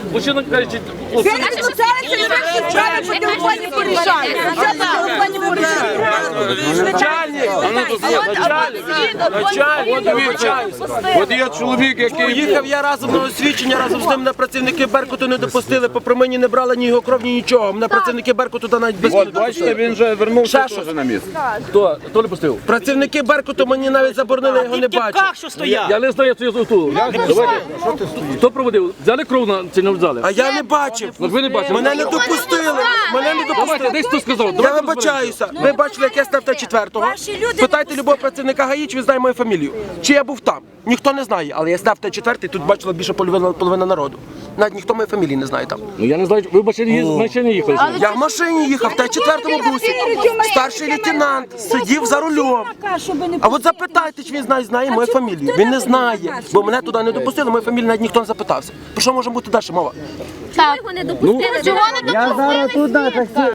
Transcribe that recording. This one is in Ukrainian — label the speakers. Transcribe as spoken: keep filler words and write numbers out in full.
Speaker 1: Мужчина каже,
Speaker 2: Це не стосується справи, по телефоні порішають. Це по телефоні порішають.
Speaker 1: начальник, а ну тут начальник, начальник,
Speaker 3: От є чоловік, який
Speaker 4: Їхав я разом на освідчення, разом з ним на працівники Беркуту не допустили, попри мені не брали ні його кров, ні нічого. Мене працівники Беркуту туди навіть без
Speaker 3: От, бачите, він вже вернувся
Speaker 4: Ще
Speaker 3: теж на місце.
Speaker 1: хто, хто не пустив?
Speaker 4: Працівники Беркуту мені навіть заборонили, його не бачити.
Speaker 5: що стояв?
Speaker 1: Я не знаю, що я тут. Хто проводив? Взяли кров на чи не взяли?
Speaker 4: А я не бачив.
Speaker 1: От ви не бачили?
Speaker 4: Мене не допустили. Мене не
Speaker 1: Давайте,
Speaker 4: допустили.
Speaker 1: десь хто сказав.
Speaker 4: Я
Speaker 1: Давайте
Speaker 4: вибачаюся. Ви бачили, як я став Т четвертого? Питайте любого працівника ГАІ, чи він знає мою фамілію. Чи я був там? Ніхто не знає, але я став Т четвертий, тут бачила більше половина, половина народу. Навіть ніхто моєї фамілії не знає там.
Speaker 1: Ну я не знаю, ви в машині їздили, в машині їхали.
Speaker 4: Я в машині їхав, в Т четвертому бусі. Старший лейтенант сидів за рулем. А от запитайте, чи він знає, знає мою фамілію. Він не знає, бо мене туди не допустили, мою фамілію навіть ніхто не запитався. Про що може бути далі мова?
Speaker 6: Чого його не допустили? Чого не допустили?